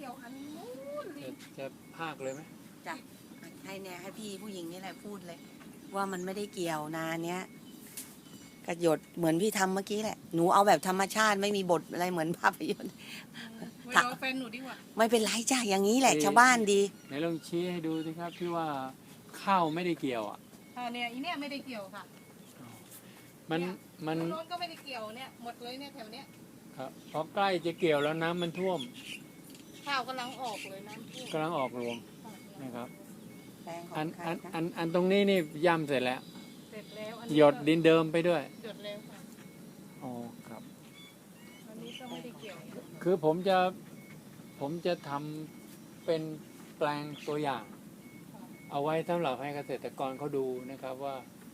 ยวอันนู้นจะพากเลยไหมจ้ะให้เนี่ยให้พี่ผู้หญิงนี่แหละพูดเลย ว่ามันไม่ได้เกี่ยวนาเนี้ยกระหยดเหมือนพี่ทำเมื่อกี้แหละหนูเอาแบบธรรมชาติไม่มีบทอะไรเหมือนภาพยนตร์ไปรอแฟนหนูดีกว่าไม่เป็นไรจ้ะอย่างนี้แหละชาวบ้านดีไหนลองชี้ให้ดูสิครับที่ว่าข้าวไม่ได้เกี่ยวอ่ะเนี่ยอีเนี่ยไม่ได้เกี่ยวค่ะมันโน้นก็ไม่ได้เกี่ยวเนี่ยหมดเลยเนี่ยแถวเนี้ยครับพอใกล้จะเกี่ยวแล้วน้ำมันท่วมข้าวกำลังออกเลยน้ำท่วมกำลังออกรวงนะครับอันตรงนี้นี่ย่ำเสร็จแล้วเสร็จแล้วหยดดินเดิมไปด้วยหยดแล้วค่ะอ๋อครับอันนี้ก็ไม่ได้เกี่ยวคือผมจะทำเป็นแปลงตัวอย่างเอาไว้สำหรับให้เกษตรกรเขาดูนะครับว่า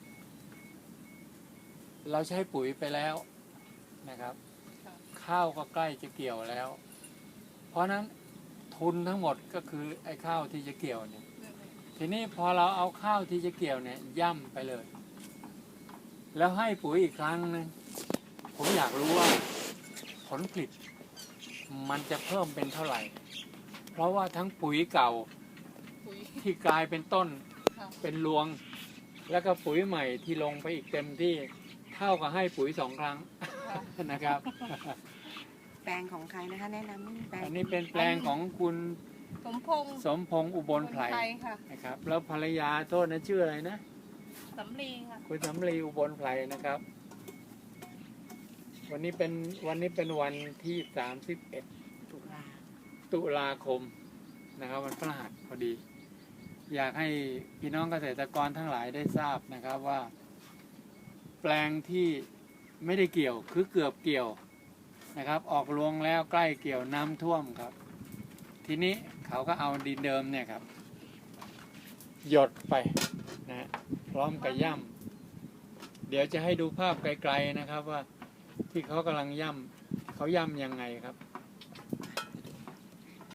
เราใช้ปุ๋ยไปแล้วนะครับข้าวก็ใกล้จะเกี่ยวแล้วเพราะนั้นทุนทั้งหมดก็คือไอ้ข้าวที่จะเกี่ยวเนี่ยทีนี้พอเราเอาข้าวที่จะเกี่ยวเนี่ยย่ำไปเลยแล้วให้ปุ๋ยอีกครั้งนึงผมอยากรู้ว่าผลผลิตมันจะเพิ่มเป็นเท่าไหร่เพราะว่าทั้งปุ๋ยเก่าที่กลายเป็นต้นเป็นรวงแล้วก็ปุ๋ยใหม่ที่ลงไปอีกเต็มที่เท่ากับให้ปุ๋ย2 ครั้งนะครับแปลงของใครนะคะแนะนำแปลงอันนี้เป็นแปลงของคุณสมพงษ์อุบลไพรนะครับแล้วภรรยาโทษนะชื่ออะไรนะสำลีค่ะคุณสำลีอุบลไพรนะครับวันนี้เป็นวันที่31 ตุลาคมนะครับวันพฤหัสพอดีอยากให้พี่น้องเกษตรกรทั้งหลายได้ทราบนะครับว่าแปลงที่ไม่ได้เกี่ยวคือเกือบเกี่ยวนะครับออกรวงแล้วใกล้เกี่ยวน้ำท่วมครับทีนี้เขาก็เอาดินเดิมเนี่ยครับหยดไปนะพร้อมกับย่ำเดี๋ยวจะให้ดูภาพไกลๆนะครับว่าที่เขากำลังย่ำเขาย่ำยังไงครับ